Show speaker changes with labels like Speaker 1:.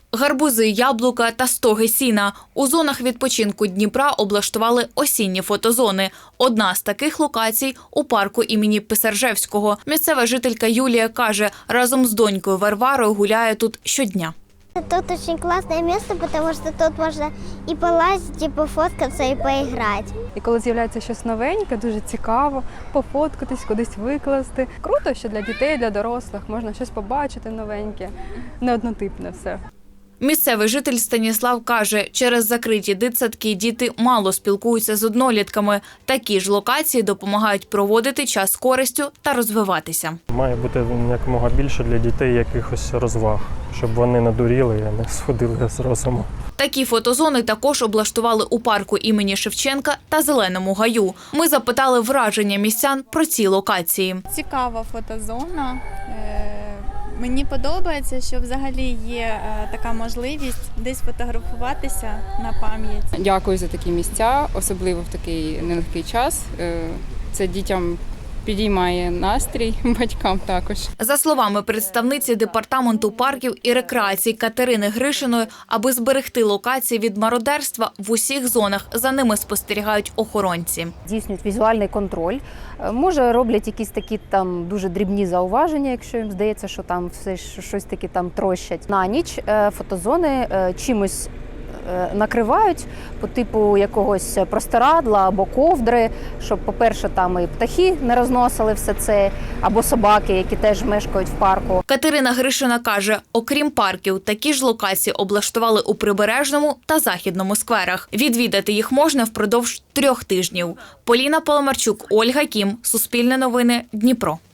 Speaker 1: Гарбузи, яблука та стоги сіна. У зонах відпочинку Дніпра облаштували осінні фотозони. Одна з таких локацій – у парку імені Писаржевського. Місцева жителька Юлія каже, разом з донькою Варварою гуляє тут щодня.
Speaker 2: Тут очень классное место, потому что тут можно и полазить, и пофоткаться, и поиграть.
Speaker 3: І коли з'являється щось новеньке, дуже цікаво пофоткатись, кудись викласти. Круто, що для дітей, для дорослих можна щось побачити новеньке, не однотипне все.
Speaker 1: Місцевий житель Станіслав каже, через закриті дитсадки діти мало спілкуються з однолітками. Такі ж локації допомагають проводити час з користю та розвиватися.
Speaker 4: Має бути якомога більше для дітей якихось розваг, щоб вони надуріли, а не сходили з розуму.
Speaker 1: Такі фотозони також облаштували у парку імені Шевченка та Зеленому гаю. Ми запитали враження містян про ці локації.
Speaker 5: Цікава фотозона. Мені подобається, що взагалі є така можливість десь фотографуватися на пам'ять.
Speaker 6: Дякую за такі місця, особливо в такий нелегкий час. Це дітям підіймає настрій, батькам також.
Speaker 1: За словами представниці департаменту парків і рекреації Катерини Гришиної, аби зберегти локації від мародерства, в усіх зонах за ними спостерігають охоронці.
Speaker 7: Здійснюють візуальний контроль. Може, роблять якісь такі там дуже дрібні зауваження, якщо їм здається, що там все щось таки там трощать. На ніч фотозони чимось накривають по типу якогось простирадла або ковдри, щоб, по-перше, там і птахи не розносили все це, або собаки, які теж мешкають в парку.
Speaker 1: Катерина Гришина каже, окрім парків, такі ж локації облаштували у Прибережному та Західному скверах. Відвідати їх можна впродовж 3 тижнів. Поліна Паламарчук, Ольга Кім, Суспільне новини, Дніпро.